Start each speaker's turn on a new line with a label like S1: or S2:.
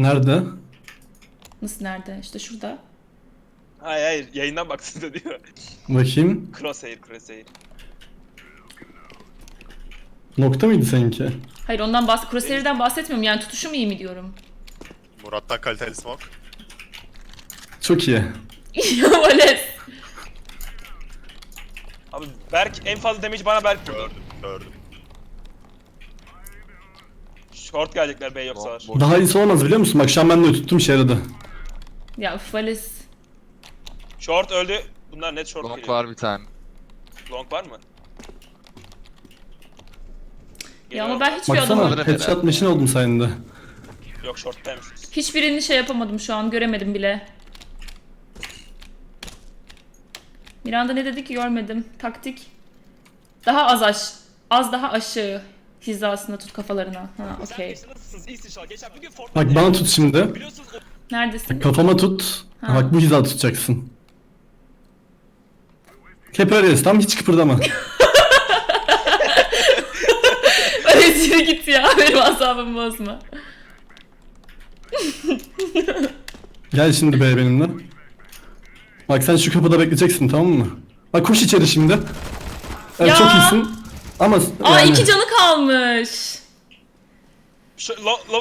S1: Nerede?
S2: Nasıl nerede? İşte şurada.
S3: Hayır yayından baksın da diyor.
S1: Bakayım.
S3: Crosshair.
S1: Nokta mıydı seninki?
S2: Hayır Crosshair'den bahsetmiyorum yani tutuşum iyi mi diyorum.
S4: Murat'tan kaliteli smoke.
S1: Çok iyi.
S2: Ya Vales.
S3: Abi Berk en fazla damage bana Berk vurdu.
S4: Gördüm.
S3: Short gelecekler B yoksalar.
S1: Daha iyisi olmaz biliyor musun? Bak şu an ben de tuttum işe yaradı.
S2: Ya üf, Vales.
S3: Short öldü. Bunlar net short
S5: Long
S3: geliyor.
S5: var bir tane.
S3: Long var mı?
S2: Ya ama
S3: Geliyorum.
S2: ben hiçbir
S1: Baksana
S2: adamı...
S5: Alırım
S1: headshot
S5: herhalde.
S1: machine oldum sayende.
S3: Yok short'taymışsınız.
S2: Hiçbirini şey yapamadım şu an göremedim bile. Miranda ne dedi ki görmedim. Taktik. Daha az daha aşağı hizasında tut kafalarına. Ha okey.
S3: Nasılsınız? İyisin şu an. Geçen bir gün Fortnite
S1: Bak bana tut şimdi.
S3: biliyorsunuz
S2: Neredesin?
S1: Kafama tut.
S2: Ha.
S1: Bak bu hizada tutacaksın. Hep öyleyiz tam hiç kıpırdama.
S2: Vales yürü git ya. Benim asabımı bozma.
S1: Gel şimdi be benimle. Bak sen şu kapıda bekleyeceksin tamam mı? Bak koş içeri şimdi. Evet
S2: Ya!
S1: çok iyisin. Ama
S2: Aa
S1: yani...
S2: 2 canı kalmış.
S3: Şu, lo,